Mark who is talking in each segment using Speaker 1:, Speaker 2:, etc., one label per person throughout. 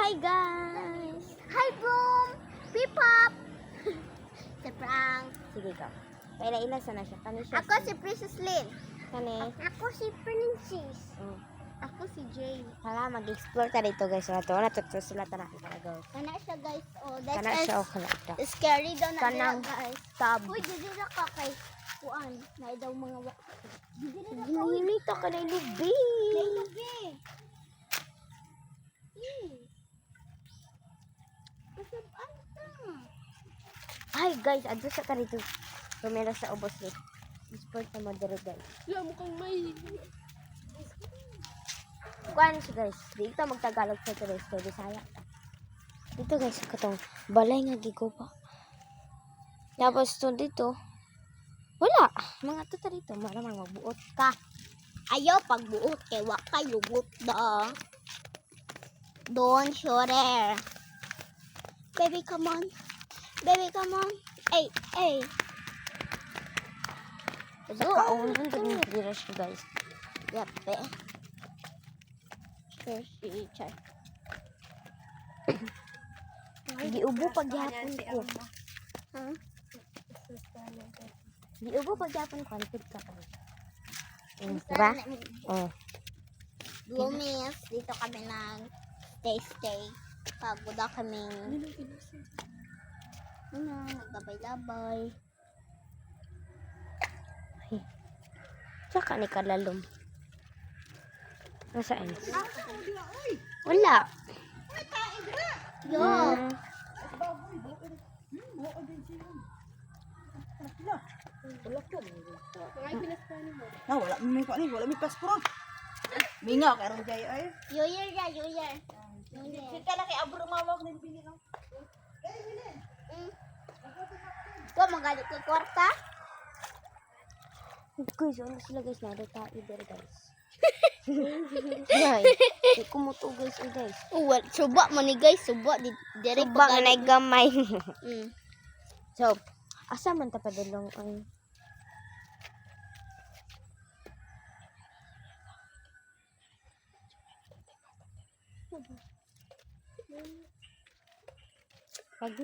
Speaker 1: Hi guys!
Speaker 2: Hi, Boom! Pipop! Si Frank.
Speaker 1: Sige ka. Paila-ila sana siya. Kani siya.
Speaker 2: Ako si Princess Lynn.
Speaker 1: Kani.
Speaker 2: Ako si Princess.
Speaker 1: Oh.
Speaker 2: Ako si Jane.
Speaker 1: Hala, mag-explore ta dito guys. Wala to. Wala to. Sila ta na guys.
Speaker 2: Kana siya, guys. Oh, that's
Speaker 1: Kana siya o kana ta.
Speaker 2: scary daw na
Speaker 1: Kanang
Speaker 2: dila, guys.
Speaker 1: tab.
Speaker 2: Uy, didira ka kay kuan. Na daw mga didira ka.
Speaker 1: Ginito ka na ilubi.
Speaker 2: Lubi. Kasabaan ta.
Speaker 1: Hi guys, adto sa ka dito. Rumela sa ubos ni. Explore ta mo diri guys.
Speaker 2: Wala mo kang may.
Speaker 1: Kuan siya guys. Dito magtagalog sa tuloy. So, Bisaya. Dito guys, katong balay nga giguba. Tapos to dito. Wala. Mga tuta dito. Maramang magbuot ka.
Speaker 2: Ayaw pagbuot kay wa kay lugot da. Don't shorter. Baby, come on. Baby, come on. Hey, hey.
Speaker 1: Sa kaunan din dira siya guys.
Speaker 2: Yape. Char.
Speaker 1: Giubo pagyapon ko.
Speaker 2: Huh?
Speaker 1: Giubo pagyapon ko. Alipid ka pa. Diba? Oh.
Speaker 2: Bloomies, dito kami nag stay. Pagod na kami. Nagbabay-labay.
Speaker 1: Tsaka ni kalalom. Nasaan? Wala.
Speaker 2: Yo.
Speaker 3: Wala may ko ni, wala may passport. Mingaw karon jay ay.
Speaker 2: Yo year.
Speaker 3: Kita na kay abro mawag ni bili no.
Speaker 2: Ko magalit ko kwarta.
Speaker 1: Guys, ano sila guys? Narita either guys. Guys, di kumuto guys guys.
Speaker 2: Uwal, suba mo ni guys, suba di dire
Speaker 1: Suba nga na gamay.
Speaker 2: Mm.
Speaker 1: So, asa man ta padulong ang Pagi.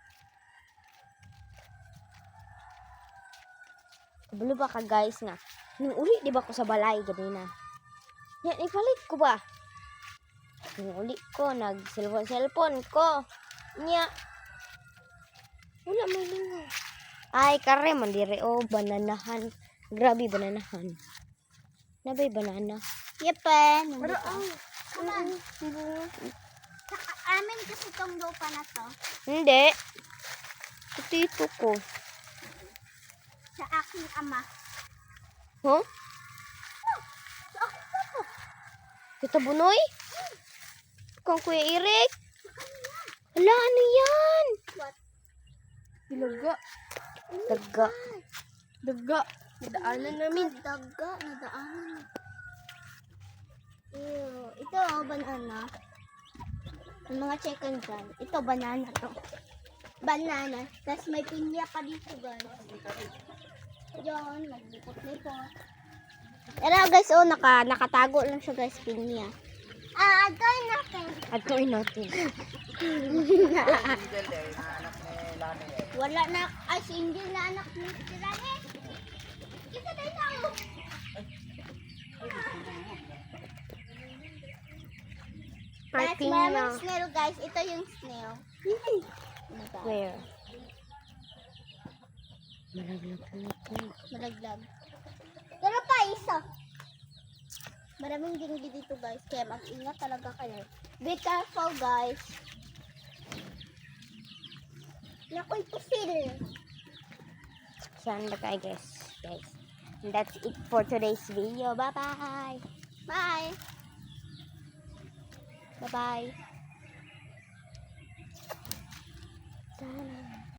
Speaker 1: Kabalo ba ka guys nga? Nung uli di ba ko sa balay ganina? Yan, ipalit ko ba? Nung uli ko, nag-cellphone ko. Nya. Wala may lingaw. Ay, kare man dire o bananahan. Grabe bananahan. Nabay banana.
Speaker 2: Yepe.
Speaker 1: Pero ang
Speaker 2: Amin kasi tong lupa na to.
Speaker 1: hindi. Ito ko.
Speaker 2: Sa aking ama.
Speaker 1: Huh?
Speaker 2: Sa aking papa.
Speaker 1: Kita bunoy? Kung Kuya Eric? Hala, ano yan?
Speaker 2: What?
Speaker 1: Ilaga. Daga. Daga.
Speaker 2: Nadaanan namin. Nadaanan. Ew. Ito, banana. Ang mga chicken dyan. Ito, banana to. Banana. Tapos may pinya pa dito, guys. Diyan, maglipot-lipot. Pero guys, oh, nakatago lang siya, guys, pinya. Gawin natin.
Speaker 1: At gawin natin.
Speaker 2: Wala na, ay, si Angel na anak ni Tirane. Kita tayo tayo. Guys, maraming snail, guys. Ito yung snail.
Speaker 1: Where? Malaglag.
Speaker 2: Malaglag. Pero pa, isa. Maraming dinggi dito, guys. Kaya mag-ingat talaga kayo. Be careful, guys. Nakoy pusil.
Speaker 1: Saan ba tayo guys? And that's it for today's video. Bye-bye.
Speaker 2: Bye.
Speaker 1: Bye-bye. Sana.